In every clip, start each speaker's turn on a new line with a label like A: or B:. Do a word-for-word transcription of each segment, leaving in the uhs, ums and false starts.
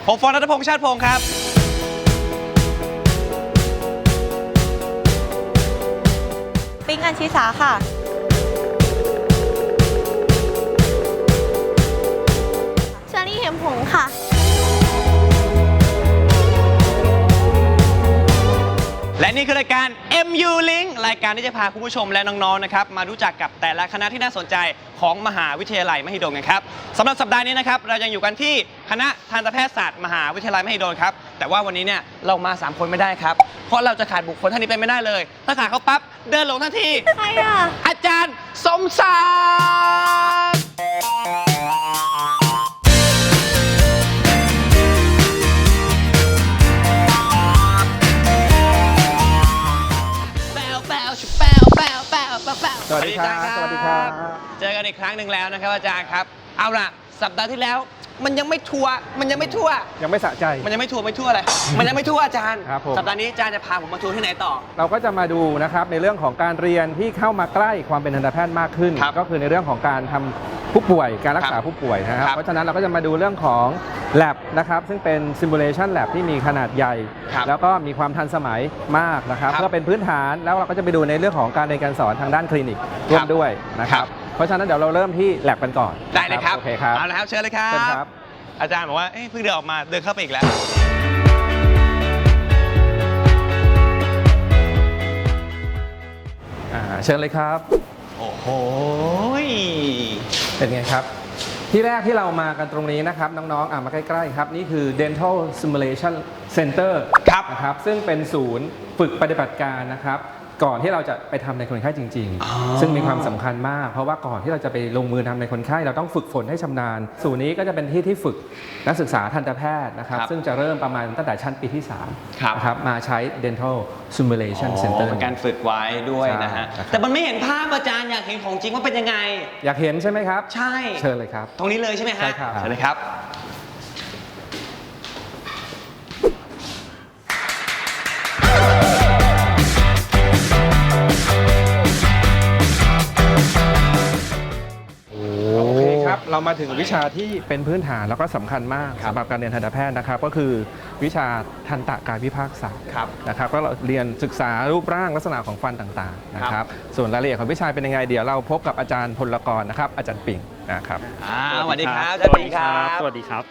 A: ผมฟอนต์ ณัฐพงษ์ ชาติพงศ์ครับ
B: ปิ๊ง อัญชิสาค่ะเชอรี่ เหมหงส์ค่ะ
A: และนี่คือรายการ เอ็ม ยู Link รายการที่จะพาคุณผู้ชมและน้องๆนะครับมารู้จักกับแต่ละคณะที่น่าสนใจของมหาวิทยาลัยมหิดลกันครับสำหรับสัปดาห์นี้นะครับเรายังอยู่กันที่คณะทันตแพทยศาสตร์มหาวิทยาลัยมหิดลครับแต่ว่าวันนี้เนี่ยเรามาสามคนไม่ได้ครับเพราะเราจะขาดบุคคลท่านนี้ไปไม่ได้เลยถ้าขาดเขาปั๊บเดินหลงทันที
B: ใครอ่ะ
A: อาจารย์สมศักดิ์
C: สวัสดีครับสวัสดีครับ
A: เจอกันอีกครั้งหนึ่งแล้วนะครับอาจารย์ครับเอาล่ะสัปดาห์ที่แล้วมันยังไม่ทัวร์มันยังไม่ทั่ว
C: ยังไม่สะใจ
A: มันยังไม่ทัวร์ไม่ทั่วอะไรมันยังไม่ทั่วอาจารย์
C: ครับผม
A: สัปดาห์นี้อาจารย์จะพาผมมาทัวร์ที่ไหนต่อ
C: เราก็จะมาดูนะครับในเรื่องของการเรียนที่เข้ามาใกล้ความเป็นทันตแพทย์มากขึ้น ก็คือในเรื่องของการทำผู้ป่วยการรักษาผู้ป่วยนะครับเพราะฉะนั้นเราก็จะมาดูเรื่องของ lab นะครับซึ่งเป็น simulation lab ที่มีขนาดใหญ่แล้วก็มีความทันสมัยมากนะครับเพื่อเป็นพื้นฐานแล้วเราก็จะไปดูในเรื่องของการเรียนการสอนทางด้านคลินิกร่วมด้วยนะครับเพราะฉะนั้นเดี๋ยวเราเริ่มที่ lab กันก่อน
A: ได้เลยครับ
C: โอเคครับ
A: เอาละครับเชิญเลยครับ
C: เชิญครับ
A: อาจารย์บอกว่าเพิ่งเดินออกมาเดินเข้าไปอีกแล้ว
C: เชิญเลยครับ
A: โอ้โห
C: เป็นไงครับที่แรกที่เรามากันตรงนี้นะครับน้องๆอ่ะมาใกล้ๆครับนี่คือ Dental Simulation Center นะครับซึ่งเป็นศูนย์ฝึกปฏิบัติการนะครับก่อนที่เราจะไปทำในคนไข้จริงๆซึ่งมีความสำคัญมากเพราะว่าก่อนที่เราจะไปลงมือทำในคนไข้เราต้องฝึกฝนให้ชำนาญศูนย์นี้ก็จะเป็นที่ที่ฝึกนักศึกษาทันตแพทย์นะครับซึ่งจะเริ่มประมาณตั้งแต่ชั้นปีที่สามนะครับมาใช้ Dental Simulation Center
A: เป็นการฝึกไว้ด้วยนะฮะแต่มันไม่เห็นภาพอาจารย์อยากเห็นของจริงว่าเป็นยังไง
C: อยากเห็นใช่ไหมครับ
A: ใช่
C: เชิญเลยครับ
A: ตรงนี้เลยใช่ไหมฮะ
C: ใช่ครับ
A: เชิญเลยครับ
C: เรามาถึงวิชาที่เป็นพื้นฐานแล้วก็สำคัญมากสำหรับการเรียนทันตแพทย์นะครับก็คือวิชาทันตกายวิภาคศาสตร์นะครับก็เราเรียนศึกษารูปร่างลักษณะของฟันต่างๆนะครับส่วนรายละเอียดของวิชาเป็นยังไงเดี๋ยวเราพบกับอาจารย์พลกรนะครับอาจารย์ปิ่งนะครับ
A: สวัสดีครับอาจารย์ปิ่งครับ
D: สวัสดีครับ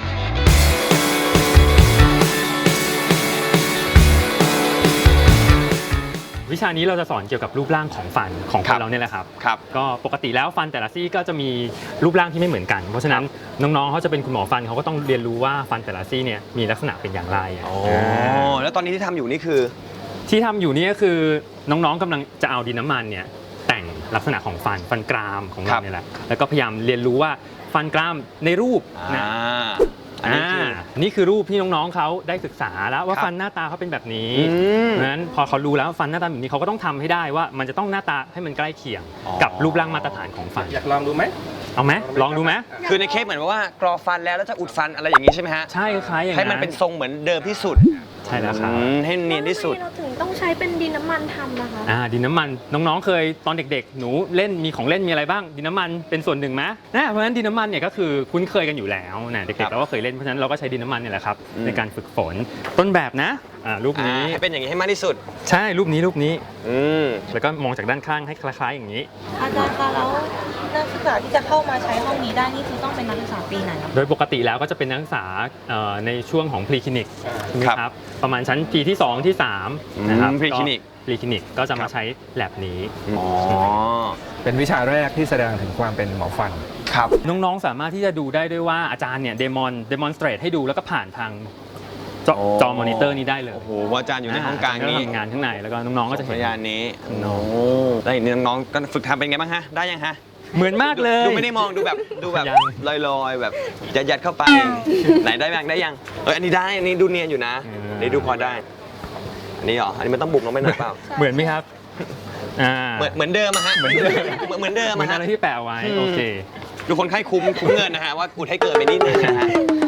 D: วิชานี้เราจะสอนเกี่ยวกับรูปร่างของฟันของคนเราเนี่ยแหละครับ
A: ครับ
D: ก็ปกติแล้วฟันแต่ละซี่ก็จะมีรูปร่างที่ไม่เหมือนกันเพราะฉะนั้นน้องๆเขาจะเป็นคุณหมอฟันเขาก็ต้องเรียนรู้ว่าฟันแต่ละซี่เนี่ยมีลักษณะเป็นอย่างไร
A: โอ้แล้วตอนนี้ที่ทำอยู่นี่คือ
D: ที่ทำอยู่นี่ก็คือน้องๆกำลังจะเอาดินน้ำมันเนี่ยแต่งลักษณะของฟันฟันกรามของเราเนี่ยแหละแล้วก็พยายามเรียนรู้ว่าฟันกรามในรูปนะอ่านี่คือรูปที่น้องๆเขาได้ศึกษาแล้วว่าฟันหน้าตาเขาเป็นแบบนี้เพราะฉะนั้นพอเขารู้แล้วฟันหน้าตาแบบนี้เขาก็ต้องทำให้ได้ว่ามันจะต้องหน้าตาให้มันใกล้เคียงกับรูปร่างมาตรฐานของฟัน
C: อยากลองดูไหม
D: เอาไหมลองดูไหม
A: คือในเคสเหมือนว่ากรอฟันแล้วแล้วจะอุดฟันอะไรอย่างนี้ใช่ไหมฮะ
D: ใช่คล้ายอย่างนั้น
A: ให้มันเป็นทรงเหมือนเดิมที่สุด
D: ใช่แล้วครับ
A: ให้เนียนที่สุด
B: เราถึงต้องใช้เป็นดินน้ำมันทำนะคะ
D: อ่าดินน้ำมันน้องๆเคยตอนเด็กๆหนูเล่นมีของเล่นมีอะไรบ้างดินน้ำมันเป็นส่วนหนึ่งไหมนะเพราะฉะนั้นดินน้ำมันเนี่ยก็คือคุ้นเคยกันอยู่แล้วนะเด็กๆเราก็เคยเล่นเพราะฉะนั้นเราก็ใช้ดินน้ำมันเนี่ยแหละครับในการฝึกฝนต้นแบบนะอ่ารูปนี้
A: ให้เป็นอย่างนี้ให้มากที่สุด
D: ใช่รูปนี้รูปนี้
A: อืม
D: แล้วก็มองจากด้านข้างให้คล้ายๆอย่างนี้
B: อาจารย์คะแล้วนักศึกษาที่จะเข้ามาใช้ห้องนี้ได้นี่คือต้องเป็นนักศึกษาปีไหน
D: โดยปกติแล้วก็จะเป็นนักศึกษาในช่วงของพรีคลินิกครับประมาณชั้นปีที่สองที่สามนะครับ
A: พรีคลินิก
D: พรีคลินิกก็จะมาใช้แลบนี้
A: อ๋อ
C: เป็นวิชาแรกที่แสดงถึงความเป็นหมอฟัน
A: ครับ
D: น้องๆสามารถที่จะดูได้ด้วยว่าอาจารย์เนี่ยเดมอนเดมอนสเตรทให้ดูแล้วก็ผ่านทางจอมอนิเตอร์นี้ได้เลย
A: โอ้โหอาจารย์อยู่ในห้องกลางนี้
D: ทำงานข้างในแล้วก็น้องๆก็จะเห็น
A: พยานนี้โอ้แล้วเห็นน้องๆก็ฝึกทำเป็นไงบ้างฮะได้ยังฮะ
D: เหมือนมากเลย
A: ดูไม่ได้มองดูแบบดูแบบลอยๆแบบยัดๆเข้าไปไหนได้ยังได้ยังเอออันนี้ได้อันนี้ดูเนียนอยู่นะนี่ดูพอได้อันนี้เหรออันนี้มันต้องบุกลงไปหน่อยเปล่า
D: เหมือนไหมครับ
A: อ่าเหมือนเหมือนเดิมอะฮะเหมือนเดิมเหมือนเดิม
D: เหมือนอะไรที่แปะไว้โอเค
A: ดูคนไข้คุ้มคุ้มเงินนะฮะว่ากูให้เกินไปนิดนึงนะฮะเอ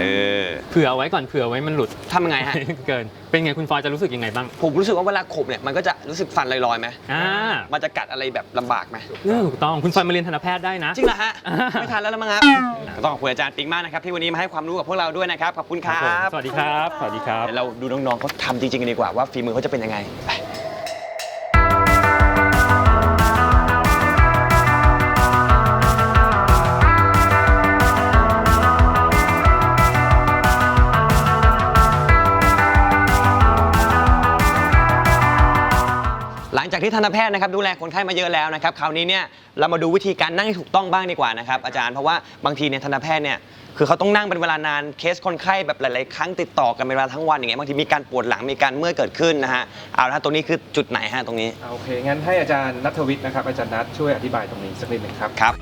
A: ออ
D: เผื่อเอาไว้ก่อนเผื่อไว้มันหลุด
A: ทำยังไงฮะ
D: เกินเป็นไงคุณฟอยจะรู้สึกยังไงบ้าง
A: ผมรู้สึกว่าเวลาขบเนี่ยมันก็จะรู้สึกฟันลอยๆไหม
D: อ่า
A: มันจะกัดอะไรแบบลำบากไหม
D: เออถูกต้องคุณฟอยมาเรียนทันตแพทย์ได้นะ
A: จริงเหรอฮะ ไม่ทันแล้วละมั้งครับต้องขอบคุณอาจารย์ปิ๊งมากนะครับที่วันนี้มาให้ความรู้กับพวกเราด้วยนะครับขอบคุณค
D: ครั
A: รั
D: บบ ผมสวัสดีครับสวัสดีครับ
A: เดี๋ยวเราดูน้องๆเขาทำจริงๆกันดีกว่าว่าฝีมือเขาจะเป็นยังไงไปหลังจากที่ทันตแพทย์นะครับดูแลคนไข้มาเยอะแล้วนะครับคราวนี้เนี่ยเรามาดูวิธีการนั่งให้ถูกต้องบ้างดีกว่านะครับอาจารย์เพราะว่าบางทีเนี่ยทันตแพทย์เนี่ยคือเขาต้องนั่งเป็นเวลานานเคสคนไข้แบบหลายๆครั้งติดต่อกันเป็นเวลาทั้งวันอย่างเงี้ยบางทีมีการปวดหลังมีการเมื่อยเกิดขึ้นนะฮะเอาละฮะตรงนี้คือจุดไหนฮะตรงนี้
C: โอเค งั้นให้อาจารย์ณัฐวิทย์นะครับอาจารย์นัทช่วยอธิบายตรงนี้สักนิดหนึ่งครับ
A: ครับ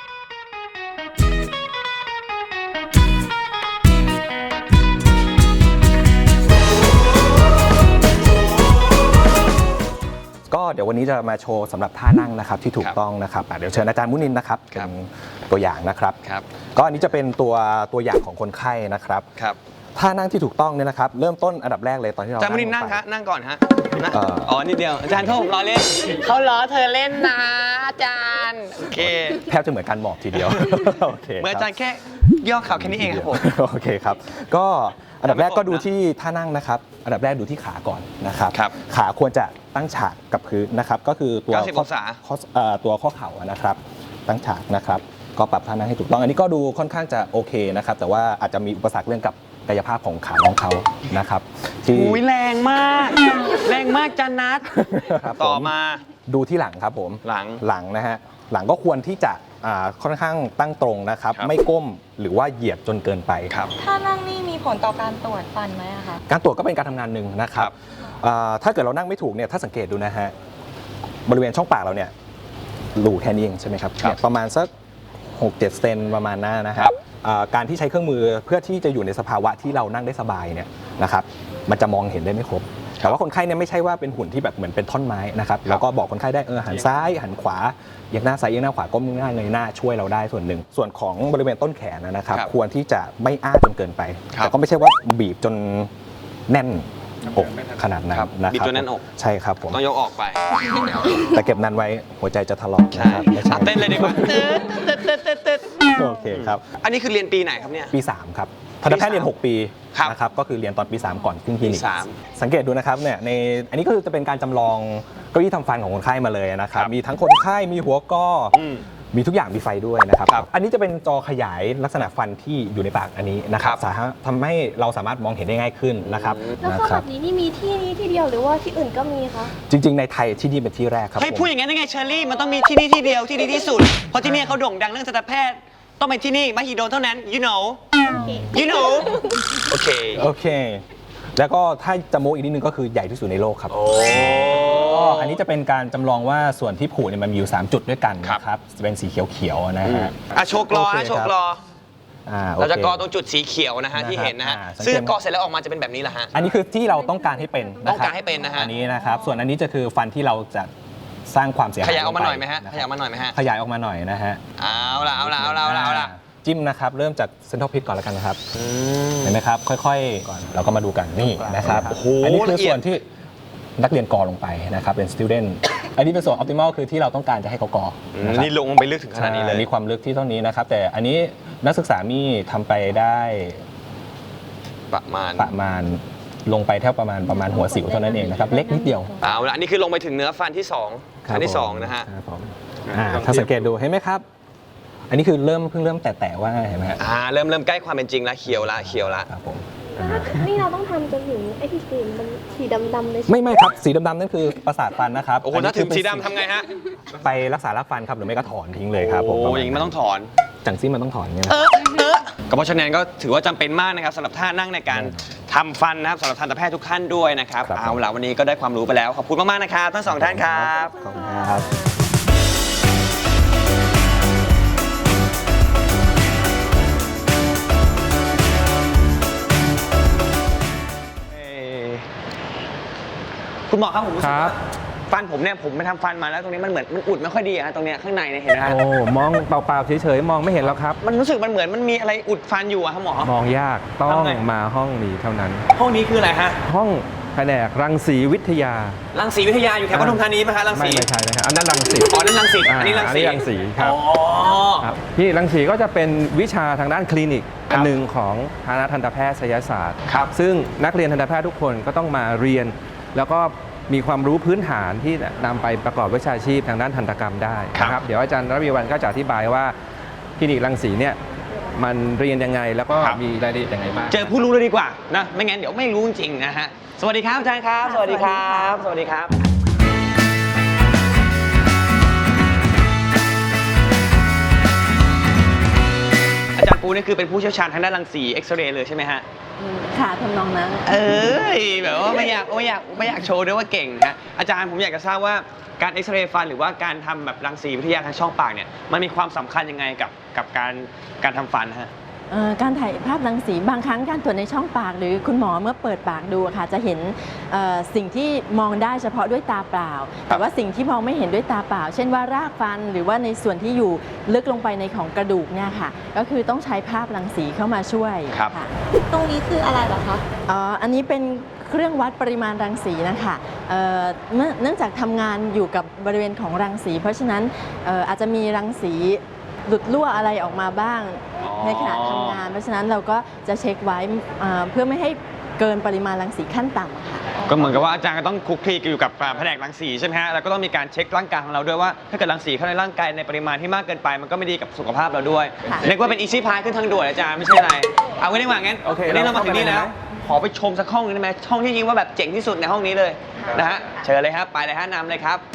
E: ก็เดี๋ยววันนี้จะมาโชว์สำหรับท่านั่งนะครับที่ถูกต้องนะครับอ่ะเดี๋ยวเชิญอาจารย์มุนินนะครับ
A: ครั
E: เป็
A: บ
E: นตัวอย่างนะครับ
A: ครับ
E: ก็อันนี้จะเป็นตัวตัวอย่างของคนไข้นะครับ
A: ครับ
E: ท่านั่งที่ถูกต้องเนี่ยนะครับเริ่มต้นอันดับแรกเลยตอนที่เรา
A: อาจารย์มุนินนั่ง
E: ลไป
A: ฮะนั่งก่อนฮะนะ
E: เอ่อ
A: อ๋อนิดเดียวอาจารย์โทษผมล้อเล่นเขาล้อเธอเล่นนะอาจารย์โอเค
E: แทบจะเหมือนการหมอบทีเดียว โอเค
A: เหมื่อนอาจารย์แค่ย่อเข่าแค่นี้เองครับผม
E: โอเคครับก็อันดับแรกก็ดูที่ท่านั่งนะครับอันดับแรกดูที่ขาก่อนนะครับ
A: ครับ
E: ขาควรจะตั้งฉากกับพื้นนะครับก็คือตัว
A: เก้าสิบ
E: ข้
A: องศา
E: ข้อเอ่อตัวข้อเข่านะครับตั้งฉากนะครับก็ปรับท่านั่งให้ถูกต้อง อันนี้ก็ดูค่อนข้างจะโอเคนะครับแต่ว่าอาจจะมีอุปสรรคเรื่องกับกายภาพของขาน้องเขานะครับที่
A: อุ้ยแรงมาก แรงมากจันนัท
E: ครับผม
A: ต่อมา
E: ดูที่หลังครับผม
A: หลัง
E: หลังนะฮะหลังก็ควรที่จะอ่าค่อนข้างตั้งตรงนะครับ
A: ครับ
E: ไม่ก้มหรือว่าเหยียดจนเกินไป
A: ครับ
B: ถ้านั่งนี่มีผลต่อการตรวจฟันไหมอะคะ
E: การตรวจก็เป็นการทำงานหนึ่งนะครั
A: ครับ บ
E: อ่าถ้าเกิดเรานั่งไม่ถูกเนี่ยถ้าสังเกตดูนะฮะบริเวณช่องปากเราเนี่ยรูแค่นี้เองใช่ไหมครับ
A: ครับ
E: เนี่ยประมาณสักหกเจ็ดเซนประมาณนั้นนะค
A: ครั
E: รับบ อ่าการที่ใช้เครื่องมือเพื่อที่จะอยู่ในสภาวะที่เรานั่งได้สบายเนี่ยนะครับมันจะมองเห็นได้ไม่ครบแต่ว่าคนไข้เนี่ยไม่ใช่ว่าเป็นหุ่นที่แบบเหมือนเป็นท่อนไม้นะครับเราก็บอกคนไข้ได้เออหันซ้ายหันขวาเอียงหน้าซ้ายเอียงหน้าขวาก้มหน้าเงยหน้าช่วยเราได้ส่วนหนึ่งส่วนของบริเวณต้นแขนนะครับ
A: ครับ
E: ควรที่จะไม่อ้าจนเกินไป
A: ครับ
E: แต่ก็ไม่ใช่ว่าบีบจนแน่นอกขนาดนั้น
A: ครับ
E: นะครับ
A: บีบจนแน่นอก
E: ใช่ครับผม
A: ต้องยกออกไป
E: แต่เก็บนานไว้หัวใจจะทะเลาะ
A: ใช่
E: นะครับไม่ใช่
A: อ่ะเต้นเลยดีกว่าตึ๊ดตึ๊ดตึ๊ดตึ๊ดตึ๊ด
E: โอเคครับ
A: อันนี้คือเรียนปีไหนครับเนี่ย
E: ปีสามครับทันตแพทย์เรียนหกปี
A: ครับ
E: นะครับก็คือเรียนตอนปีสามก่อนขึ้นคลินิก
A: ปีสาม
E: สังเกตดูนะครับเนี่ยในอันนี้ก็คือจะเป็นการจำลองเก้าอี้ทำฟันของคนไข้มาเลยนะครับ
A: ครับ
E: มีทั้งคนไข้มีหัวก้ออ
A: อืม
E: มีทุกอย่างมีไฟด้วยนะครับ
A: ครับ
E: อันนี้จะเป็นจอขยายลักษณะฟันที่อยู่ในปากอันนี้นะครับ
A: ครับ
E: สามารถทำให้เราสามารถมองเห็นได้ง่ายขึ้นนะครับ
F: แล้ว
E: นะ
F: ก็
E: ค
F: แบ
E: รับบ
F: นี้นี่มีที่นี้ที่เดียวหรือว่าที่อื่นก็มีคะ
E: จริง ๆ ในไทยที่นี่เป็นที่แรกครับ
A: ให้
E: ผม
A: พูดอย่างนั้นได้ไงเชอรี่มันต้องมีที่นี่ที่เดียวที่ดีที่สุด เพราะที่นี่เขาโด่งดังเรื่องทันตแพทย์ ต้องเป็นที่นี่มหิดลเท่านั้น you know you know โอเค
E: โอเค แล้วก็ถ้าจะโม้อีกนิดนึงก็คือใหญ่ที่สุดในโลกครับ
A: โอ้
E: ก็อันนี้จะเป็นการจำลองว่าส่วนที่ผูเนี่ยมันมีอยู่สามจุดด้วยกัน
A: ครับ
E: นะครับจะเป็นสีเขียวๆนะฮะ
A: อ่ะโชว์กรอ
E: โอเค
A: ฮะโชว์กรอ
E: อ่าโอค
A: เราจะกรอตรงจุดสีเขียวนะฮะ
E: นะครับ
A: ที่เห็นนะฮะ
E: อ่าสังเกต
A: ซึ่งกรอเสร็จแล้วออกมาจะเป็นแบบนี้แหละฮะ
E: อันนี้คือที่เราต้องการให้เป็นนะคบ
A: ต้องการให้เป็นนะฮะ
E: อันนี้นะครับ ส่วนอันนี้จะคือฟันที่เราจะสร้างความเสียหาย
A: ขยายออกมาหน่อยไหมฮะ
E: ลงป
A: ขยายออกมาหน่อยไหมฮะ
E: ขยายออกมาหน่อยนะฮะ
A: เอาละเอาละเอาละเอาละเอาละ
E: จิ้มนะครับเริ่มจากเซนทรัลพิทก่อนแล้วกันนะครับเห็นไหมครับค่อยๆก่อนเราก็มาดูกันนี่นะครับ
A: โอ้โห
E: อันนี้คือ
A: ละเอียด
E: ส่วนที่นักเรียนกอลงไปนะครับเป็น student อันนี้เป็นส่วน optimal คือที่เราต้องการจะให้เขากอ
A: อืม
E: นะครับ
A: นี่ลงไปลึกถึงขนาดนี้เลย
E: ใช่มีความลึกที่เท่านี้นะครับ แต่อันนี้นักศึกษามีทำไปได้
A: ประมาณ
E: ประมาณลงไปแค่ประมาณประมาณหัวสิวเท่านั้นเองนะครับ เล็กนิดเดียว
A: เอาละอันนี้คือลงไปถึงเนื้อฟันที่สอง
E: ครับ
A: อันที่สอง
E: ผม
A: นะฮะ
E: ครับผมอ่าถ้าสังเกตดูเห็นไหมครับ อันนี้คือเริ่มเพิ่งเริ่มแตะๆว่าเห็นไหมฮะ
A: อ่าเริ่มเริ่มใกล้ความเป็นจริงแล้วเขียวละเขียวละ
E: ครับผม
F: แล้วถ้านี่เราต้องทำจนถึงไอ้ที่สีมันสีดำๆเลยใช่ไหม
E: ไม่ไม่ครับสีดำๆนั่นคือประสาทฟันนะครับ
A: โอ้โห
E: นนี้
A: ถ้าถึง
E: คือเป็น
A: สีดำทำไงฮะ
E: ไปรักษารากฟันครับหรือไม่ก็ถอนทิ้งเลยครับผม
A: โอ้อย่างนี้มันต้องถอน
E: จังซี่มันต้องถอนเนี่ยนะ
A: เออเออก็เพราะฉะนั้นก็ถือว่าจำเป็นมากนะครับสำหรับท่านั่งในการทำฟันนะครับสำหรับทันตแพทย์ทุกท่านด้วยนะครับ
E: ครับ
A: เอาล่ะวันนี้ก็ได้ความรู้ไปแล้วขอบคุณมากๆนะครับทั้งสองท่านครับ
E: ขอบคุณครับ
A: คุณหมอครับผมรู้สึก
C: ครั
A: ว่า
C: บ
A: ฟันผมเนี่ยผมไปทำฟันมาแล้วตรงนี้มันเหมือนมันอุดไม่ค่อยดีอะฮะตรงเนี้ยข้างในเนี่ยเห็นไหมฮะ
C: โอ้มองเปล่าๆเฉยๆมองไม่เห็นแล้วครับ
A: มันรู้สึกมันเหมือนมันมีอะไรอุดฟันอยู่อะครับหมอ
C: มองยากต้อง
A: ทำไง
C: มาห้องนี้เท่านั้น
A: ห้องนี้คืออะไรฮะ
C: ห้องแผนกรังสีวิทยา
A: รังสีวิทยาอยู่แถวปทุมธานีไหมฮะรัง
C: ไม่
A: สี
C: ไม่ใช่นะครับอันนั้นรังสี
A: อ๋อนั่นรังสีอันนี้รังสี
C: รังสีครับ
A: อ๋อ
C: ครับที่รังสีก็จะเป็นวิชาทางด้านคลินิก
A: ครับ
C: อันหนึ่งของคณะทันตแพทยศาสตร์
A: ครับ
C: ซึ่งนักเรียนทันตแพทย์ทุกคนก็ต้องมาเรียน แล้วก็มีความรู้พื้นฐานที่นำไปประกอบวิชาชีพทางด้านทันตกรรมได้นะครับเดี๋ยวอาจารย์ระวีวรรณก็จะอธิบายว่าคลินิกรังสีเนี่ยมันเรียนยังไงแล้วก็มีรายละเอียดยังไงบ้าง
A: เจอผู้รู้เลยดีกว่านะไม่งั้นเดี๋ยวไม่รู้จริงๆนะฮะสวัสดีครับอาจารย์ครับ สวัสดีครับ สวัสดีครับ อาจารย์ปูนี่คือเป็นผู้เชี่ยวชาญทางด้านรังสีเอ็กซเรย์เลยใช่ไหมฮะ
B: ค่ะทำนองนั้น
A: เอ้ยแบบว่าไม่อยากไม่อยากไม่อยากโชว์ด้วยว่าเก่งนะอาจารย์ผมอยากจะทราบว่าการเอ็กซเรย์ฟันหรือว่าการทำแบบรังสีวิทยาทางช่องปากเนี่ยมันมีความสำคัญยังไงกับกับการการทำฟันฮะ
G: เอ่อการถ่ายภาพรังสีบางครั้งการตรวจในช่องปาก หรือคุณหมอเมื่อเปิดปากดูอะค่ะจะเห็นเอ่อสิ่งที่มองได้เฉพาะด้วยตาเปล่า แต่ว่าสิ่งที่มองไม่เห็นด้วยตาเปล่า เช่นว่ารากฟันหรือว่าในส่วนที่อยู่ลึกลงไปในของกระดูกเนี่ยค่ะก็คือต้องใช้ภาพรังสีเข้ามาช่วย
A: ครับ
G: ค่ะ
B: ตรงนี้คืออะไรเหรอคะ
G: อ๋ออันนี้เป็นเครื่องวัดปริมาณรังสีนะคะเอ่อเมื่อเนื่องจากทำงานอยู่กับบริเวณของรังสี เพราะฉะนั้นเอ่ออาจจะมีรังสีหลุดรั่วอะไรออกมาบ้าง
A: อ๋อ
G: ในขณะทำงาน เพราะฉะนั้นเราก็จะเช็คไว้เอ่อเพื่อไม่ให้เกินปริมาณรังสีขั้นต่ำอะค่ะ
A: ก็เหมือนกับว่าอาจารย์ก็ต้องคลุกคลีอยู่กับแผนกรังสีใช่ไหมฮะแล้วก็ต้องมีการเช็คร่างกายของเราด้วยว่าถ้าเกิดรังสีเข้าในร่างกายในปริมาณที่มากเกินไปมันก็ไม่ดีกับสุขภาพเราด้วย
G: ค่ะ
A: เรียกว่าเป็นอีซี่พายขึ้นทางด่วนอาจารย์ไม่ใช่อะไรเอาไว้ดีกว่างั้น
C: โอเค
A: วันนี้เรามาถึงนี่
C: เรา
A: แล้ว
C: เข้าไปเลยไหม
A: ขอไปชมสักห้องนึงได้ไหมห้องที่ยิงว่าแบบเจ๋งที่สุดในห้องนี้เลยนะฮะเชิญเลยครับไปเลยฮะนำเลยครับ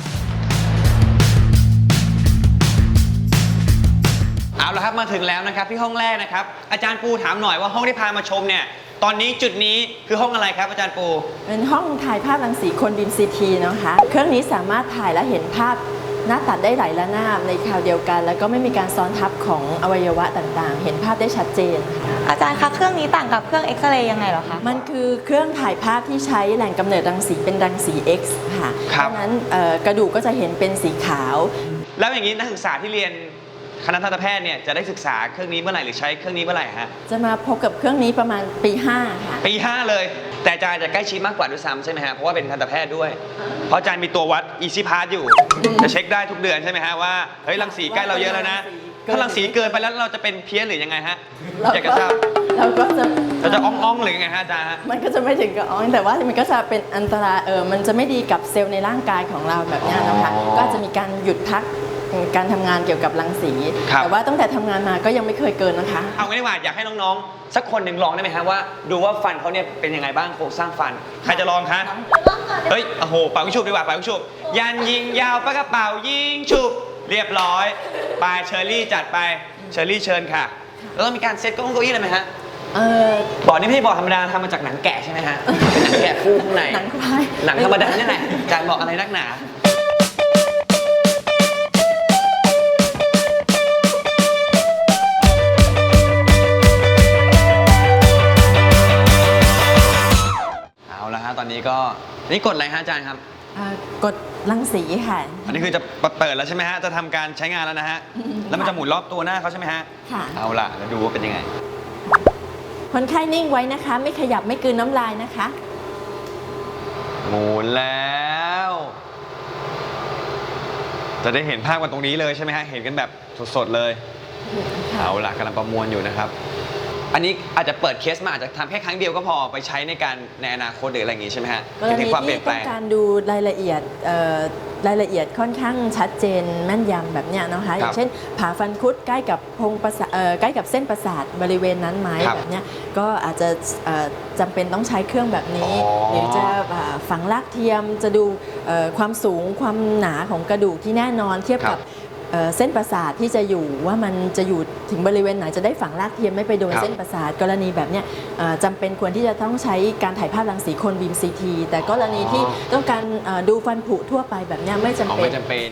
A: เอาละครับมาถึงแล้วนะครับที่ห้องแรกนะครับอาจารย์ปูถามหน่อยว่าห้องที่พามาชมเนี่ยตอนนี้จุดนี้คือห้องอะไรครับอาจารย์ปู
G: เป็นห้องถ่ายภาพรังสีคนบีมซีทีนะคะ เครื่องนี้สามารถถ่ายและเห็นภาพหน้าตัดได้หลายระนาบในคราวเดียวกัน แล้วก็ไม่มีการซ้อนทับของอวัยวะต่างๆ เห็นภาพได้ชัดเจนค่ะ
B: อาจารย์คะเครื่องนี้ต่างกับเครื่องเอ็กซเรย์ยังไงเหรอคะ
G: มันคือเครื่องถ่ายภาพที่ใช้แหล่งกำเนิดรังสีเป็นรังสี X ค่ะ
A: ครั
G: เพ
A: บ
G: ราะฉะนั้นเอ่อกระดูกก็จะเห็นเป็นสีขาว
A: แล้วอย่างนี้นักศึกษาที่เรียนคณะทันตแพทย์เนี่ยจะได้ศึกษาเครื่องนี้เมื่อไหร่หรือใช้เครื่องนี้เมื่อไหร่ฮะ
G: จะมาพบกับเครื่องนี้ประมาณปีห้าค่ะ
A: ปีห้าเลย แต่อาจารย์จะใกล้ชิดมากกว่าด้วยซ้ำใช่ไหมฮะเพราะว่าเป็นทันตแพทย์ด้วย เพราะอาจารย์มีตัววัด Easy Pass อยู่ จะเช็คได้ทุกเดือนใช่ไหมฮะว่าเฮ้ยรังสีใกล้เราเยอะแล้วนะ ถ้ารังสีเกินไปแล้วเราจะเป็นเพี้ยนหรือยังไงฮะอยากจะทราบ
G: เราก็จะ
A: เราจะอ่องๆหรือยังไงฮะอาจารย์ฮะ
G: มันก็จะไม่ถึงกับอ้องแต่ว่ามันก็จะเป็นอันตรายเออมันจะไม่ดีกับเซลล์ในร่างกายของเราแบบเนี้ยนะคะ
A: อ๋อ
G: ก็จะมีการหยุดพักการทำงานเกี่ยวกับรังสี
A: ครับ
G: แต่ว่าตั้งแต่ทำงานมาก็ยังไม่เคยเกินนะคะ
A: เอางี้ดีกว่าอยากให้น้องๆสักคนหนึ่งลองได้ไหมฮะว่าดูว่าฟันเขาเนี่ยเป็นยังไงบ้างโครงสร้างฟันใครจะลองคะเฮ้ยโอ้โหเป่ายิงฉุบดีกว่าเป่ายิงฉุบยันยิงยาวปากกระเป๋ายิงฉุบเรียบร้อยไปเชอรี่จัดไปเชอรี่เชิญค่ะแล้วต้องมีการเซ็ตเก้าอี้เก้าอี้เลยไหมฮะ
G: เออ
A: บอร์ดนี่ไม่ใช่บอร์ดธรรมดาทำมาจากหนังแกะใช่ไหมฮะเป็นหนังแกะคู่ข้างใน
G: หนังควาย
A: หนังธรรมดาเนี่ยแหละอาจารย์บอกอะไรนักหนาเอาละฮะตอนนี้ก็นี่กดอะไรฮะอาจารย์ครับ
G: เอ่อกดรังสีค่ะ
A: อันนี้คือจะเปิดแล้วใช่ไหมฮะจะทำการใช้งานแล้วนะฮะแล้วมันจะหมุนรอบตัวหน้าเขาใช่ไหมฮะ
G: ค่ะ
A: เอาล่ะแล้วดูว่าเป็นยังไง
G: คนไข้นิ่งไว้นะคะ ไม่ขยับไม่กลืนน้ำลายนะคะ
A: หมุนแล้ว จะได้เห็นภาพกันตรงนี้เลยใช่ไหมฮะ เห็นกันแบบสดๆเลย เอาล่ะกำลังประมวลอยู่นะครับ อันนี้อาจจะเปิดเคสมาอาจจะทำแค่ครั้งเดียวก็พอไปใช้ในการในอนาคตหรืออะไรอย่างงี้ใช่ไหมฮะ
G: กร
A: ถึ
G: ณี
A: งความเปลี่
G: ที่
A: ยนแปล
G: ต้อง งการดูรายละเอียดเอ่อรายละเอียดค่อนข้างชัดเจนแม่นยำแบบเนี้ยนะคะอย่างเช่นผ่าฟันคุดใกล้กับโพรงประสาทเอ่อใกล้กับเส้นประสาทบริเวณนั้นไหม
A: ครับ
G: แบบเนี้ยก็อาจจะเอ่อจำเป็นต้องใช้เครื่องแบบนี้
A: อ๋อ
G: หรือจะอ่าฝังรากเทียมจะดูเอ่อความสูงความหนาของกระดูกที่แน่นอนเทียบกับเอ่อเส้นประสาทที่จะอยู่ว่ามันจะอยู่ถึงบริเวณไหนจะได้ฝังรากเทียมไม่ไปโดน
A: ครับ
G: เส้นประสาทกรณีแบบเนี้ยเอ่อจำเป็นควรที่จะต้องใช้การถ่ายภาพรังสีโคนบีมซีทีแต่กรณีที่ต้องการเอ่อดูฟันผุทั่วไปแบบเนี้ยไม่จำ
A: อ๋อ
G: เป็น
A: ไม่จำเป็น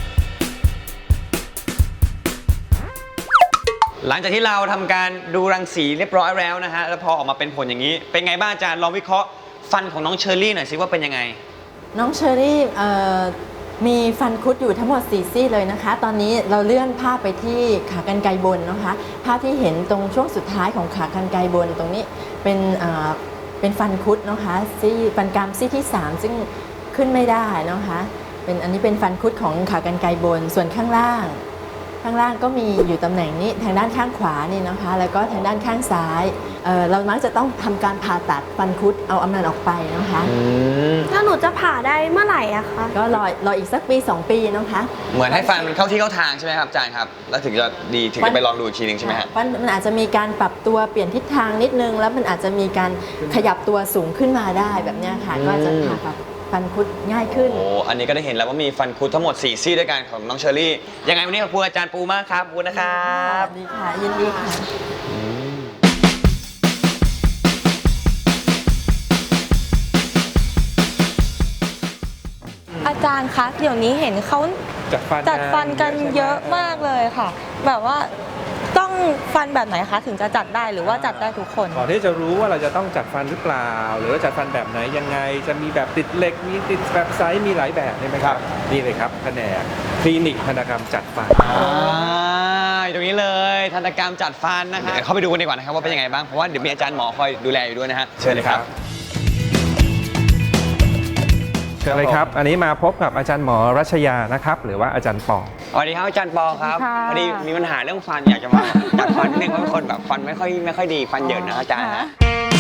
A: หลังจากที่เราทำการดูรังสีเรียบร้อยแล้วนะฮะแล้วพอออกมาเป็นผลอย่างนี้ เป็นไงบ้างอาจารย์ลองวิเคราะห์ฟันของน้องเชอรี่หน่อยสิว่าเป็นยังไง
G: น้องเชอรี่เอ่อมีฟันคุดอยู่ทั้งหมดสี่ซี่เลยนะคะ ตอนนี้เราเลื่อนภาพไปที่ขากรรไกรบนนะคะ ภาพที่เห็นตรงช่วงสุดท้ายของขากรรไกรบนตรงนี้เป็นเอ่อเป็นฟันคุดนะคะซี่ฟันกรามซี่ที่สามซึ่งขึ้นไม่ได้นะคะเป็นอันนี้เป็นฟันคุดของขากรรไกรบนส่วนข้างล่าง ข้างล่างก็มีอยู่ตำแหน่งนี้ทางด้านข้างขวานี่นะคะแล้วก็ทางด้านข้างซ้ายเอ่อเรามักจะต้องทำการผ่าตัดฟันคุดเอาอำนันออกไปนะคะ
F: แล้วหนูจะผ่าได้เมื่อไหร่อะคะ
G: ก็รอรออีกสักปีสองปีนะคะ
A: เหมือนให้ฟันมันเข้าที่เข้าทางใช่ไหมครับอาจารย์ครับ แล้วถึงจะดีถึงจะไปลองดูอีกทีหนึงใช่ไหมฮะ
G: มันมันอาจจะมีการปรับตัวเปลี่ยนทิศทางนิดนึง แล้วมันอาจจะมีการขยับตัวสูงขึ้นมาได้แบบเนี้ยค่ะ
A: อืม
G: ก็จะผ่าตัดฟันคุดง่ายขึ้น
A: โอ้อันนี้ก็ได้เห็นแล้วว่ามีฟันคุดทั้งหมดสี่ซี่ด้วยกันของน้องเชอรี่ ยังไงวันนี้ขอบคุณอาจารย์ปูมากครับขอบคุณนะครับ
G: ดีค่ะ ยินดีค่ะ
B: อาจารย์คะเดี๋ยวนี้เห็นเขา
C: จัดฟัน
B: จัดฟันกันเยอะมากเลยค่ะ แบบว่าต้องฟันแบบไหนคะถึงจะจัดได้หรือว่าจัดได้ทุกคน
C: ก่อนที่จะรู้ว่าเราจะต้องจัดฟันหรือเปล่า หรือว่าจัดฟันแบบไหนยังไง จะมีแบบติดเหล็กมีติดแบบไซส์มีหลายแบบใช่ไหมครับนี่เลยครับแผนกคลินิกทันตกรรมจัดฟัน
A: อ่าอยู่ตรงนี้เลยทันตกรรมจัดฟันนะครับเดี๋ยวเข้าไปดูกันดีกว่านะครับว่าเป็นยังไงบ้างเพราะว่าเดี๋ยวมีอาจารย์หมอคอยดูแลอยู่ด้วยนะฮะเชิญเลยครับ
C: เชิญเลยครับ อันนี้มาพบกับอาจารย์หมอรัชยานะครับ หรือว่าอาจารย์ปอ
A: สวัสดีครับอาจารย์ปอครับพอดีมีปัญหาเรื่องฟันอยากจะมาจัดฟันนิดนึงเพราะเป็นคนแบบฟันไม่ค่อยไม่ค่อยดีฟันเหยินนะอาจารย์ฮะ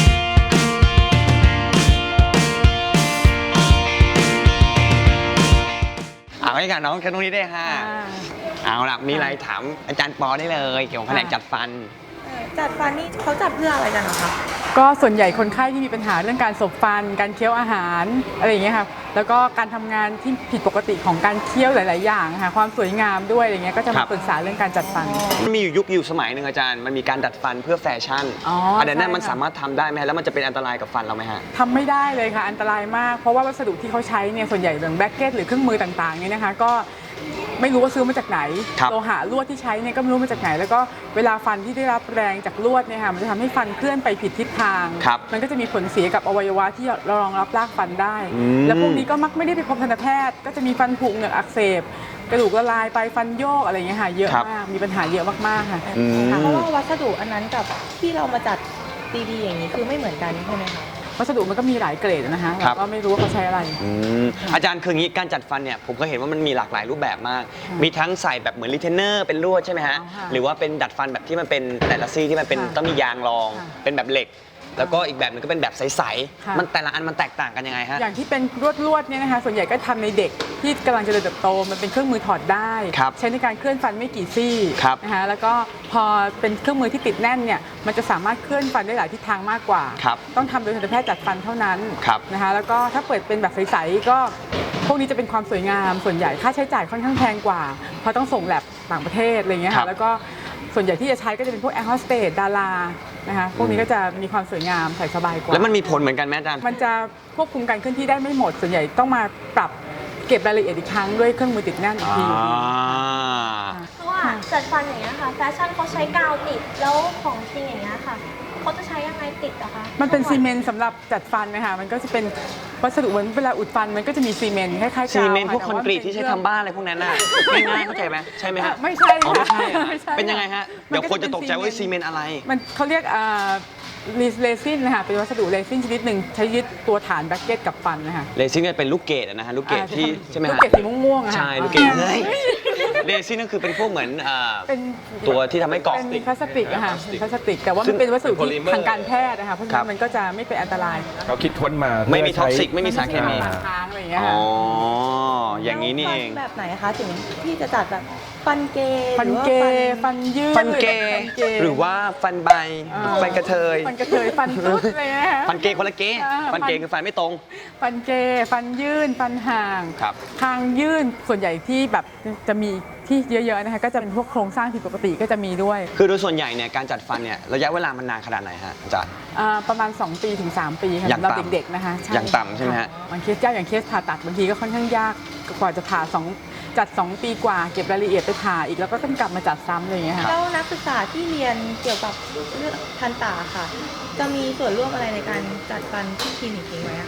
A: เอาให้กันน้องแค่ตรงนี้ได้ฮะเอาล่ะมีอะไรถามอาจารย์ปอได้เลยเกี่ยวกับแผนกจัดฟัน
B: จัดฟันนี่เขาจัดเพื่ออะไรกันเหรอคะ
H: ก็ส่วนใหญ่คนไข้ที่มีปัญหาเรื่องการสบฟัน การเคี้ยวอาหารอะไรอย่างเงี้ยค่ะแล้วก็การทำงานที่ผิดปกติของการเคี้ยวหลาย ๆ อย่างค่ะความสวยงามด้วยอะไรเงี้ยก็จะ
A: ครั
H: มา
A: บ
H: ปรึกษาเรื่องการจัดฟัน
A: มันมีอยู่ยุคอยู่สมัยหนึ่งอาจารย์ มันมีการดัดฟันเพื่อแฟชั่น
H: อ๋ออั
A: อันนั้นน่ะ
H: ใช่
A: มัน
H: ค่ะ
A: สามารถทำได้ไหมฮะแล้วมันจะเป็นอันตรายกับฟันเราไหมฮะ
H: ทำไม่ได้เลยค่ะอันตรายมาก เพราะว่าวัสดุที่เขาใช้เนี่ยส่วนใหญ่อย่างแบ็กเก็ตหรือเครื่องมือต่าง ๆ เนี่ยนะคะก็ไม่รู้ว่าซื้อมาจากไหน
A: ครับ
H: โลหะลวดที่ใช้เนี่ยก็ไม่รู้มาจากไหน แล้วก็เวลาฟันที่ได้รับแรงจากลวดเนี่ยค่ะมันจะทำให้ฟันเคลื่อนไปผิดทิศทาง
A: ครับ
H: มันก็จะมีผลเสียกับอวัยวะที่เรารองรับรากฟันได้
A: อืม
H: แล้วพวกนี้ก็มักไม่ได้ไปพบทันตแพทย์ก็จะมีฟันผุเหงือกอักเสบกระดูกละลายไปฟันโยกอะไรอย่างเงี้ยค่ะเยอะมากมีปัญหาเยอะมากๆค่ะ
A: อืม
B: เพราะว่าวัสดุอันนั้นกับที่เรามาจัดดีๆอย่างนี้คือไม่เหมือนกันใช่ไหมคะ
H: วัสดุมันก็มีหลายเกรดนะคะ
A: ครั
H: เรา
A: บ
H: ก็ไม่รู้ว่าเขาใช้อะไร
A: อืมอาจารย์คืออย่างนี้การจัดฟันเนี่ยผมก็เห็นว่ามันมีหลากหลายรูปแบบมาก
H: ค่ะ
A: มีทั้งใส่แบบเหมือนรีเทนเนอร์เป็นลวดใช่ไหมฮะ
H: อ๋อค่ะ
A: หรือว่าเป็นดัดฟันแบบที่มันเป็นแต่ละซี่ที่มันเป็น
H: ค่ะ
A: ต้องมียางรอง
H: ค่ะ
A: เป็นแบบเหล็ก แล้วก็อีกแบบหนึงก็เป็นแบบใส
H: ค่ะ
A: ๆมันแต่ละอันมันแตกต่างกันยังไงฮะ
H: อย่างที่เป็นลวดลวดๆเนี่ยนะคะส่วนใหญ่ก็ทำในเด็กที่กำลังเจริญเติบโตมันเป็นเครื่องมือถอดได้
A: ครับ
H: ใช้ในการเคลื่อนฟันไม่กี่ซี่
A: ครับ
H: นะคะแล้วก็พอเป็นเครื่องมือที่ติดแน่นเนี่ยมันจะสามารถเคลื่อนฟันได้หลายทิศทางมากกว่า
A: ครับ
H: ต้องทำโดยทันตแพทย์จัดฟันเท่านั้น
A: ครับ
H: นะคะแล้วก็ถ้าเปิดเป็นแบบใสๆก็พวกนี้จะเป็นความสวยงามส่วนใหญ่ค่าใช้จ่ายค่อนข้างแพงกว่า เพราะต้องส่งแลบต่างประเทศอะไรอย่างเงี้ย
A: ครั
H: ค่ะ
A: บ
H: แล้วก็ส่วนใหญ่ที่จะใช้ก็จะเป็นพวกแอร์โฮสเตสดารานะคะพวกนี้ก็จะมีความสวยงามใส่สบายกว่า
A: แล้วมันมีผลเหมือนกันไหมอาจารย์
H: มันจะควบคุมการเคลื่อนที่ได้ไม่หมด ส่วนใหญ่ต้องมาปรับเก็บรายละเอียดอีกครั้งด้วยเครื่องมือติดแน่นอีกที
A: อ่า
F: เพราะว่าจัดฟันอย่างเงี้ยค่ะแฟชั่นเขาใช้กาวติดแล้วของจริงอย่างเงี้ยค่ะเขาจะใช้ยังไงติดอะคะ
H: มันเป็นซีเมนต์สำหรับจัดฟันนะคะมันก็จะเป็นวัสดุเหมือนเวลาอุดฟันมันก็จะมีซีเมนต์คล้ายๆกาว
A: ซีเมนต์พวก
H: ะ
A: คอนกรีตที่ใช้ทำบ้านอะไรพวกนั้นน่ะง่ายๆเข้าใจไหมใช่ไหมฮะ
H: ไม่ใช่
A: อ๋อ
H: ค่ะ
A: ไม่ใช่เหรอ
H: ไม่ใช่
A: เป็นยังไงฮะ
H: มัน
A: เดี๋ยว
H: ก็
A: คนจะตกใจว่า
H: เป็นซี
A: ซี
H: เม
A: เม
H: น
A: น
H: ต์
A: ต์อะไร
H: มันเขาเรียกอ่าเรซินนะคะเป็นวัสดุเรซินชนิดหนึ่งใช้ยึดตัวฐานแบ็กเก็ตกับฟันนะคะ
A: เรซินเนี่ยเป็นลูกเกดอะนะฮะลูกเกดที่ใช่ไหม
H: ลูก
A: ฮะ
H: เกดสีม่วงๆอะค่ะ
A: ใช่ลูกเกดเฮ้ยเรซินก็คือเป็นพวกเหมือนอ่า
H: เป็น
A: ตัวที่ทำให้เกาะ
H: เป็นพลาสติกอะค่ะเป็นพลาสติก แต่ว่ามันเป็นวัสดุที่ทางการแพทย์นะคะเพราะฉะ
A: ครั
H: นั้
A: บ
H: นมันก็จะไม่เป็นอันตราย
C: เขาคิดค้นมา
A: ไม่มี
C: เพื่
A: ท็อก
C: ใช้
A: ซิกไม่มีสารเคมี
H: ฟันค้างอะไรอย่างเงี้ย
A: อ๋
H: ค่ะ
A: ออย่างนี้นี่เอง
B: แล้วฟัแบบไหนคะถึงที่จะจัดแบบฟันเกย์
H: ฟัน
B: หรือว่า
H: เกย์ฟันยืด
A: ฟันเกย์
H: ฟันเกย์
A: หรือว่าฟันใบ
H: อ่า
A: ฟันกระเทย
H: ฟันกระเทยฟันตุ๊ดอะไรเงี้ยนะคะ
A: ฟันเกย์คนละเกย์
H: อ่า
A: ฟันเกย์คือฟันไม่ตรง
H: ฟันเกย์ฟันยื่นฟันห่าง
A: ครับ
H: คางยื่นส่วนใหญ่ที่แบบจะมีที่เยอะๆนะคะก็จะเป็นพวกโครงสร้างผิดปกติก็จะมีด้วย
A: คือโดยส่วนใหญ่เนี่ยการจัดฟันเนี่ยระยะเวลามันนานขนาดไหนฮะอาจารย์
H: อ่าประมาณ สอง ปีถึง สาม ปีค่ะ
A: อย่าง
H: สำหรับ
A: ต่ำ
H: เด็กๆนะคะใช่
A: อย่างต่ำใช่ไหมฮะ
H: บางเคสยากอย่างเคสผ่าตัดบางทีก็ค่อนข้างยากกว่าจะผ่าสองจัด สอง ปีกว่าเก็บรายละเอียดไปผ่าอีกแล้วก็ต้องกลับมาจัดซ้ำอะไรอย่างเงี้ยค่ะ
B: แล้วนักศึกษาที่เรียนเกี่ยวกับเรื่องทันตาค่ะ จะมีส่วนร่วมอะไรในการจัดฟันที่คลินิกนี้ไหมอะคะ
H: ม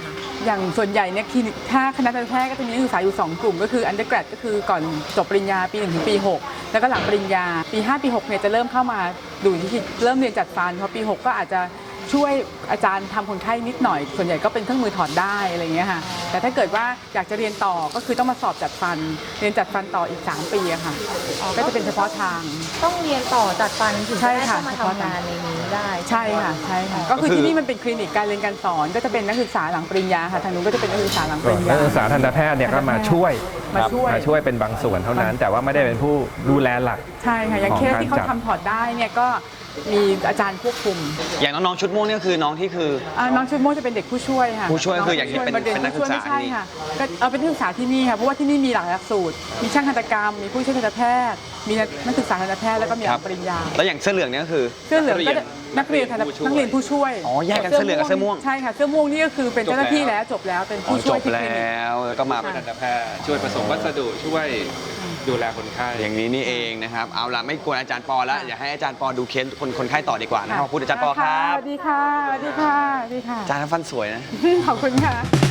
H: อย่างส่วนใหญ่เนี่ยคลินิกถ้าคณะทันตแพทย์ก็จะมีนักศึกษาอยู่สองกลุ่มก็คือ undergrad ก็คือก่อนจบปริญญาปีหนึ่งถึงปีหกแล้วก็หลังปริญญาปีห้าปีหกเนี่ยจะเริ่มเข้ามาดูที่เริ่มเรียนจัดฟันพอปีหกก็อาจจะช่วยอาจารย์ทำคนไข้นิดหน่อยส่วนใหญ่ก็เป็นเครื่องมือถอดได้อะไรอย่างเงี้ยค่ะแต่ถ้าเกิดว่าอยากจะเรียนต่อก็คือต้องมาสอบจัดฟันเรียนจัดฟันต่ออีกสามปีอะค่ะก็จะเป็นเฉพาะทาง
B: ต้องเรียนต่อจัดฟันถึงจะ
H: ใช่
B: ได้
H: ค่ะ
B: เข้ามาทำงานในนี้ได้
H: ใช่ค่ะใช่ค่ะก็คือที่นี่มันเป็นคลินิกการเรียนการสอนก็จะเป็นนักศึกษาหลังปริญญาค่ะทางนู้นก็จะเป็นนักศึกษาหลังปริญญา
C: นักศึกษาทันตแพทย์เนี่ยก็มาช่วย
H: มาช่วย
C: มาช่วยเป็นบางส่วนเท่านั้น แต่ว่าไม่ได้เป็นผู้ดูแลหลัก
H: ใช่ค่ะอย่างเคสที่เขาทำถอดได้เนี่ยก็มีอาจารย์ควบคุม
A: อย่างน้องๆชุดม่วงนี่ก็คือน้องที่คือ
H: อ่าน้องชุดม่วงจะเป็นเด็กผู้ช่วยค่ะ
A: ผู้ช่วยคืออย่างที่เป็น
H: มารี
A: เป็นนักศึกษา
H: ผู้ช่วยไม่ใช่
A: ที่นี่
H: ค่ะก็เอาเป็นนักศึกษาที่นี่ค่ะเพราะว่าที่นี่มีหลายหลักสูตร มีช่างทันตกรรม มีผู้ช่วยทันตแพทย์ มีนักศึกษาทันตแพทย์แล้วก็มีหลังปริญญา
A: แล้วอย่างเสื้อเหลืองเนี่ยก็คือ
H: เสื้อเหลืองก็จะนักเรียนทันตนักเรียนผู้ช่วย
A: อ๋อแยกกันเสื้อเหลืองกับเสื้อม่วง
H: ใช่ค่ะเสื้อม่วงนี่ก็คือเป็นเจ้าหน้าที่แล้วจบแล้วเป็น
A: อ๋อ
H: ผู้
A: จ
H: ช่วย
A: บ
H: ที่คลินิก
A: แล้วแล้วก็มาเป็น
C: ทันตแพทย์ช่วยผสมวัสดุช่วยดูแลคนไข้
A: อย่างนี้นี่เองนะครับเอาล่ะไม่กวนอาจารย์ปอแล้วอยากให้อาจารย์ปอดูเคสคนคนไข้ต่อดีกว่านะครับขอบคุณอาจารย์ปอครับ
H: สวัสดีค่ะสวัสดีค่ะสวัสดีค่ะ
A: อาจารย์ทำฟันสวยนะ
H: ขอบคุณค่ะ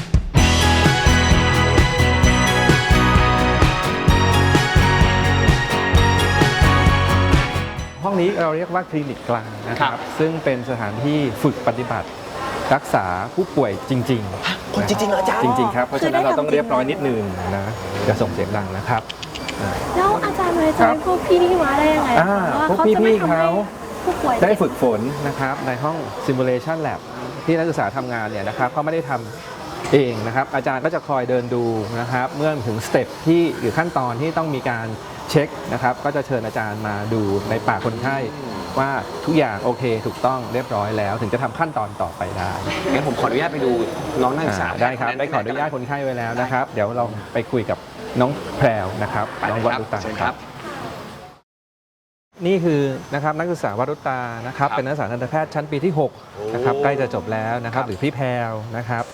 C: ห้องนี้เราเรียกว่าคลินิกกลางนะค
A: ครั
C: รับ
A: บ
C: ซึ่งเป็นสถานที่ฝึกปฏิบัติรักษาผู้ป่วยจริงๆ
A: คนจริงๆเหรออาจารย์
C: จริงๆครับเพราะฉะนั้นเราต้องเรียบร้อยนิดนึงนะอย่าส่งเสียงดังนะครับ
F: แล้วอาจารย์เลยจะให้พวกพี่ที่มาได้ยังไง
C: อ่า
F: คะว่า
C: พวก
F: เขาจะไม่
C: พี่ๆ
F: ทำให้
C: เขา
F: ผู้ป่วย
C: ได้ฝึกฝนนะครับในห้อง simulation lab ที่นักศึกษาทำงานเนี่ยนะครับเขาไม่ได้ทำเองนะครับอาจารย์ก็จะคอยเดินดูนะครับเมื่อถึงสเต็ปที่หรือขั้นตอนที่ต้องมีการเช็คนะครับก็จะเชิญอาจารย์มาดูในปากคนไข้ว่าทุกอย่างโอเคถูกต้องเรียบร้อยแล้ว ถึงจะทำขั้นตอนต่อไปได้
A: งั้นผมขออนุญาตไปดูน้องนักศึกษา
C: อ่าได้ครับได้ขออนุญาตคนไข้ไว้แล้วนะครับ เดี๋ยวเราไปคุยกับน้องแพรวนะครับน้องวัดุตา
A: เชิญครับ
C: นี่คือนะครับนักศึกษาวัดุตานะครับ
A: ครับ
C: เป็นนักศึกษาทันตแพทย์ชั้นปีที่หกนะครับใกล้จะจบแล้วนะครับหรือพี่แพรวนะครับ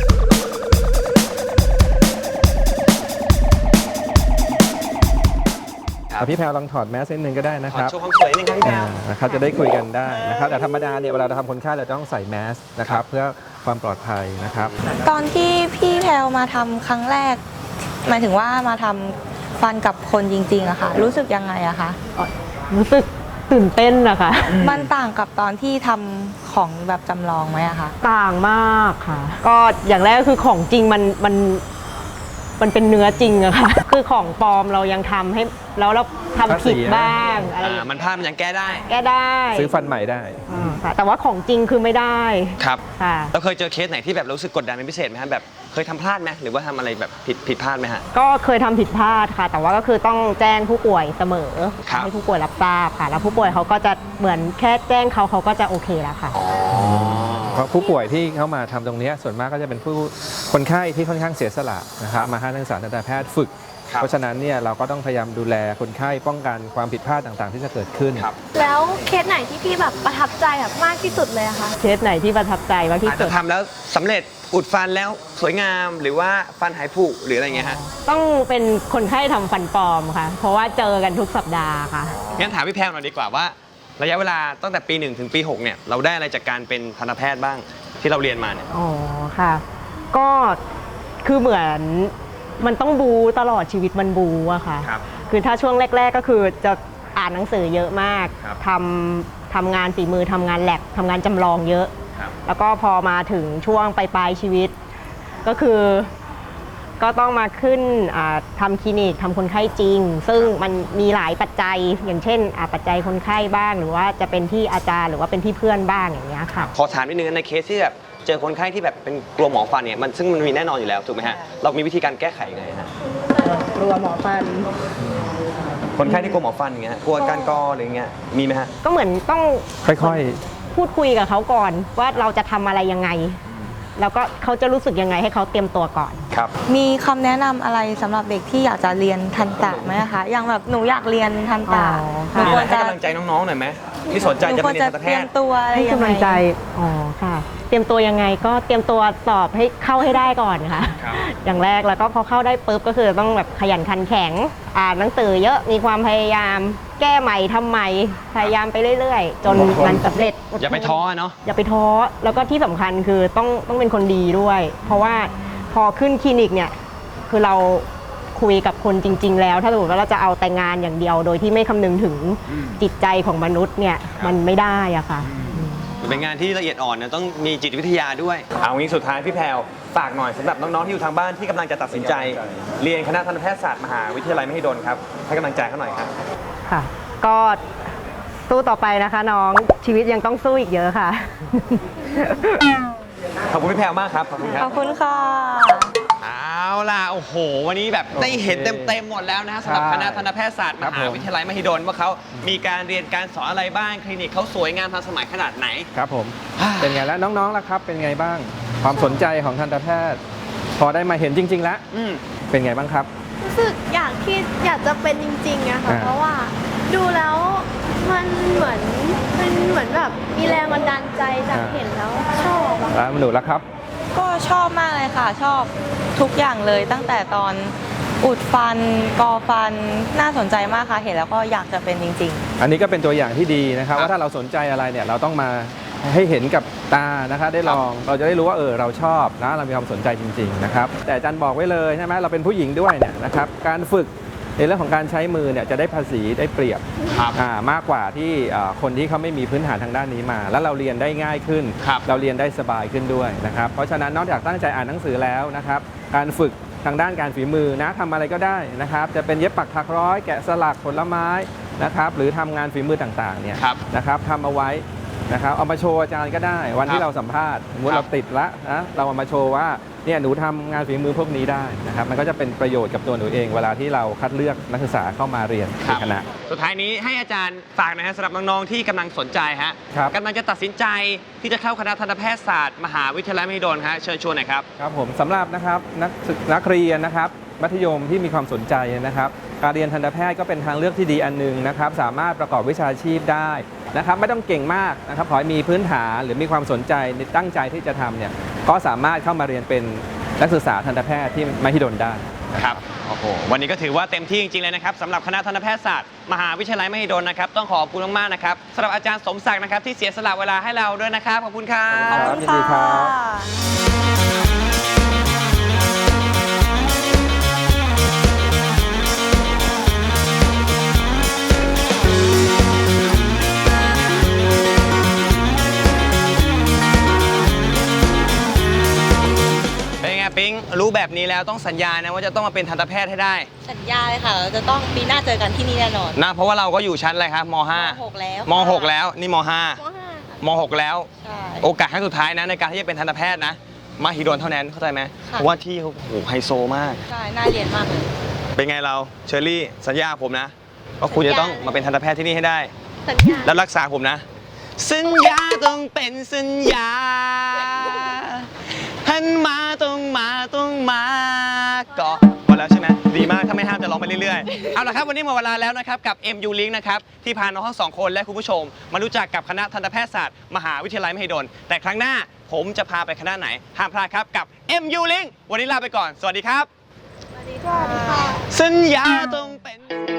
C: เอาพี่แพรวลองถอดแมสนิดนึงก็ได้นะ
A: ข
C: ค
A: อ
C: รับ
A: โชว์ความสวยนิดนึงครับพี่แพร
C: อ่าว นะครับจะได้คุยกันได้นะครับแต่ธรรมดาเนี่ยเวลาเราทำคนไข้เราต้องใส่แมสนะครับเพื่อความปลอดภัยนะครับ
B: ตอนที่พี่แพลวมาทำครั้งแรก หมายถึงว่ามาทำฟันกับคนจริงๆอะค่ะ รู้สึกยังไงอะคะ
I: รู้สึกตื่นเต้นนะคะ
B: มันต่างกับตอนที่ทำของแบบจำลองไหมอะคะ
I: ต่างมากค่ะ ก็อย่างแรกก็คือของจริงมันมันมันเป็นเนื้อจริงอะค่ะ คือของปลอมเรายังทำให้แล้วเราทำผิดบ้างอะไรอย่าง
A: อ่า
I: เงี้ย
A: มันพลาดมันยังแก้ได้
I: แก้ได้
C: ซื้อฟันใหม่ได้
I: อืมค่ะแต่ว่าของจริงคือไม่ได้
A: ครับ
I: ค่ะ
A: แล้วเคยเจอเคสไหนที่แบบรู้สึกกดดันเป็นพิเศษไหมฮะแบบเคยทำพลาดไหมหรือว่าทำอะไรแบบผิดผิดพลาดไหมฮะ
I: ก็เคยทำผิดพลาดค่ะ แต่ว่าก็คือต้องแจ้งผู้ป่วยเสมอ
A: ครับ
I: ให้ผู้ป่วยรับทราบค่ะ แล้วผู้ป่วยเขาก็จะเหมือนแค่แจ้งเขาเขาก็จะโอเคแล้วค่ะ
C: เพราะผู้ป่วยที่เข้ามาทำตรงนี้ส่วนมากก็จะเป็นผู้คนไข้ที่ค่อนข้างเสียสละนะครับมาให้นักศึกษาทันตแพทย์ฝึก
A: ครับ
C: เพราะฉะนั้นเนี่ยเราก็ต้องพยายามดูแลคนไข้ป้องกันความผิดพลาดต่างๆ ที่จะเกิดขึ้น
A: ครับ
F: แล้วเคสไหนที่พี่แบบประทับใจแบบมากที่สุดเลยอะคะ
I: เคสไหนที่ประทับใจมากที่
A: อาจ
I: สุ
A: จะ
I: ด
A: ทำแล้วสำเร็จอุดฟันแล้วสวยงามหรือว่าฟันหายผุหรืออะไรเงี้ยฮะ
I: ต้องเป็นคนไข้ทำฟันปลอมค่ะ เพราะว่าเจอกันทุกสัปดาห์ค่ะ
A: งั้นถามพี่แพรวหน่อยดีกว่าว่า ระยะเวลาตั้งแต่ปีหนึ่งถึงปีหกเนี่ยเราได้อะไรจากการเป็นทันตแพทย์บ้างที่เราเรียนมาเนี่ย
I: อ๋อค่ะ ก็คือเหมือนมันต้องบูตลอดชีวิตมันบูอะค่ะ
A: ครับ
I: คือถ้าช่วงแรก ๆก็คือจะอ่านหนังสือเยอะมาก
A: ครับ
I: ทำทำงานฝีมือทำงานแลบทำงานจำลองเยอะ
A: ครับ
I: แล้วก็พอมาถึงช่วงปลายๆชีวิต ก็คือก็ต้องมาขึ้นอ่าทำคลินิกทำคนไข้จริง ซึ่งมันมีหลายปัจจัยอย่างเช่นอ่าปัจจัยคนไข้บ้าง หรือว่าจะเป็นที่อาจารย์หรือว่าเป็นที่เพื่อนบ้างอย่างเงี้ยค่ะ
A: ขอถามนิดนึงในเคสที่แบบเจอคนไข้ที่แบบเป็นกลัวหมอฟันเนี่ยมันซึ่งมันมีแน่นอนอยู่แล้วถูกไหมฮะเรามีวิธีการแก้ไขยังไงฮะ
I: กลัวหมอฟัน
A: คนไข้ที่กลัวหมอฟันอย่างเงี้ยกลัวการกออะไรเงี้ยมีไหมฮะ
I: ก็เหมือนต้อง
C: ค่อย
I: พูดคุยกับเขาก่อนว่าเราจะทำอะไรยังไง แล้วก็เขาจะรู้สึกยังไงให้เขาเตรียมตัวก่อน
A: ครับ
B: มีคำแนะนำอะไรสำหรับเด็กที่อยากจะเรียนทันตะไหมคะ อย่างแบบหนูอยากเรียนทันตะ
I: อ๋อ
B: หนู
A: มี
B: ค
A: อะไร
B: วร
A: ให้
B: จะ
A: กำลังใจน้องๆหน่อยไหมที่สนใจ
B: หนู
A: จะ
B: คว
A: มาร เรียน
B: จะ
A: ทันตแพ
B: เตรีย
A: ท
B: ม
A: ย์
B: ตัวอะไร
I: ให้
B: ยัง
I: กำลังใจ
B: ไง
I: อ๋อค่ะ เตรียมตัวยังไงก็เตรียมตัวสอบให้เข้าให้ได้ก่อนค่ะ
A: ครับ
I: อย่างแรกแล้วก็พอเข้าได้ปุ๊บก็คือต้องแบบขยันขันแข็ง อ่านหนังสือเยอะมีความพยายามแก้ใหม่ทำใหม่พยายามไปเรื่อยๆ จนมันสำเร็จดทน
A: อย่าไปท้อเนาะ
I: อย่าไปท้อแล้วก็ที่สำคัญคือต้องต้องเป็นคนดีด้วย เพราะว่าพอขึ้นคลินิกเนี่ยคือเราคุยกับคนจริง ๆ แล้ว ถ้าสมมติว่าเราจะเอาแต่งานอย่างเดียว โดยที่ไม่คำนึงถึงจิตใจของมนุษย์เนี่ยมันไม่ได้อะค่ะ
A: เป็นงานที่ละเอียดอ่อนนะต้องมีจิตวิทยาด้วย เอางี้สุดท้ายพี่แพรวฝากหน่อยสำหรับน้องๆที่อยู่ทางบ้านที่กำลังจะตัดสินใจ เรียนคณะทันตแพทยศาสตร์มหาวิทยาลัยมหิดลครับให้กำลังใจเขาหน่อยครับ
I: ค่ะ ก็สู้ต่อไปนะคะน้องชีวิตยังต้องสู้อีกเยอะค่ะ
A: ขอบคุณพี่แพรวมากครับขอบคุณค
B: ข
A: รั
B: อบ บคุณค่ะ
A: เอาล่ะโอ้โห วันนี้แบบได้เห็นเต็มๆหมดแล้วนะฮะสำหรับคณะทันตแพทยศาสตร์มหาวิทยาลัยมหิดลว่าเขามีการเรียนการสอนอะไรบ้างคลินิกเขาสวยงามทันสมัยขนาดไหน
C: ครับผม เป็นไงแล้วน้องๆล่ะครับ เป็นไงบ้าง ความสนใจของทันตแพทย์ พอได้มาเห็นจริง ๆ แล้ว
A: อืม
C: เป็นไงบ้างครับ
F: รู้สึกอยากที่อยากจะเป็นจริงๆอะค่ะ
C: อ่า
F: เพราะว่าดูแล้วมันเหมือนมันเหมือนแบบมีแรงบันดาลใจจากเห็นแล้วชอบอะ
C: แล้วหนูล่ะครับ
B: ก็ชอบมากเลยค่ะ ชอบทุกอย่างเลยตั้งแต่ตอนอุดฟันกอฟันน่าสนใจมากค่ะ เห็นแล้วก็อยากจะเป็นจริง ๆ
C: อันนี้ก็เป็นตัวอย่างที่ดีนะครับ
A: ครับ
C: ว่าถ้าเราสนใจอะไรเนี่ยเราต้องมาให้เห็นกับตานะคะได้ลองเราจะได้รู้ว่าเออเราชอบนะเรามีความสนใจจริงๆนะครับแต่อาจารย์บอกไว้เลยใช่ไหมเราเป็นผู้หญิงด้วยเนี่ยนะครับการฝึกในเรื่องของการใช้มือเนี่ยจะได้ภาษีได้เปรียบ
A: ครับ
C: อ่ามากกว่าที่อ่าคนที่เขาไม่มีพื้นฐานทางด้านนี้มา แล้วเราเรียนได้ง่ายขึ้น
A: ครับ
C: เราเรียนได้สบายขึ้นด้วยนะครับเพราะฉะนั้นนอกจากตั้งใจอ่านหนังสือแล้วนะครับการฝึกทางด้านการฝีมือนะทำอะไรก็ได้นะครับจะเป็นเย็บปักถักร้อยแกะสลักผลไม้นะครับหรือทำงานฝีมือต่างๆเนี่ย
A: ครับ
C: นะครับทำเอาไว้นะครับเอามาโชว์อาจารย์ก็ได้ วัน
A: ครั
C: ที่
A: บ
C: เราสัมภาษณ์สมมติ
A: ครั
C: เรา
A: บ
C: ติดละนะเราเอามาโชว์ว่าเนี่ยหนูทำงานฝีมือพวกนี้ได้นะครับมันก็จะเป็นประโยชน์กับตัวหนูเอง เวลาที่เราคัดเลือกนักศึกษาเข้ามาเรียนในคณะ
A: สุดท้ายนี้ให้อาจารย์ฝากหนะฮะสำหรับน้องๆที่กำลังสนใจฮะ
C: ครับ
A: กำลังจะตัดสินใจที่จะเข้าคณะทันตแพทยศาสตร์มหาวิทยาลัยมหิดลฮะเชิญชวนหน่อยครับ
C: ครับผมสำหรับนะครับนักศึกนักเรียนนะครับมัธยมที่มีความสนใจนะครับการเรียนทันตแพทย์ก็เป็นทางเลือกที่ดีอันหนึงนะครับสามารถประกอบวิชาชีพได้นะครับไม่ต้องเก่งมากนะครับขอให้มีพื้นฐานหรือมีความสนใจตั้งใจที่จะทำเนี่ยก็สามารถเข้ามาเรียนเป็นนักศึกษาทันตแพทย์ที่มหิดลได้
A: ครับ โอ้โห วันนี้ก็ถือว่าเต็มที่จริงๆเลยนะครับสำหรับคณะทันตแพทยศาสตร์มหาวิทยาลัยมหิดลนะครับต้องขอบคุณมากๆนะครับสำหรับอาจารย์สมศักดิ์นะครับที่เสียสละเวลาให้เราด้วยนะครับขอบคุณครับ
B: ขอบคุณ
C: ยินดีครั
B: ค่ะ
A: เป็นไงปิ๊งรู้แบบนี้แล้วต้องสัญญานะว่าจะต้องมาเป็นทันตแพทย์ให้ได้
B: สัญญาเลยค่ะเราจะต้องปีหน้าเจอกันที่นี่แน่นอน
A: นะเพราะว่าเราก็อยู่ชั้นอะไรครับม .ห้า
B: หกแล้ว
A: ม .หก แล้วนี่ม .ห้า
F: มห้าค่ะ
A: ม .หก แล้ว
B: ใช่
A: โอกาสครั้งสุดท้ายนะในการที่จะเป็นทันตแพทย์นะมหิดลเท่านั้นเข้าใจไหม
B: ค่ะ
A: เพราะว่าที่เขาโอ้โหไฮโซมาก
B: ใช่น่าเรียนมากเลย
A: เป็นไงเราเชอรี่สัญญาผมนะว่าคุณจะต้องมาเป็นทันตแพทย์ที่นี่ให้ได้
F: สัญญา
A: แล้วรักษาผมนะ สัญญาต้องเป็นสัญญาหันมาต้องมาต้องมาก็พอแล้วใช่ไหมดีมากถ้าไม่ห้ามจะร้องไปเรื่อยๆ เอาละครับวันนี้หมดเวลาแล้วนะครับกับ เอ็ม ยู Link นะครับที่พาน้องทั้งสองคนและคุณผู้ชม มารู้จักกับคณะทันตแพทยศาสตร์มหาวิทยาลัยมหิดลแต่ครั้งหน้าผมจะพาไปคณะไหนห้ามพลาดครับกับ เอ็ม ยู Link วันนี้ลาไปก่อนสวัสดีครับ
F: สวัสดีค่ะ
A: สัญญาต้องเป็น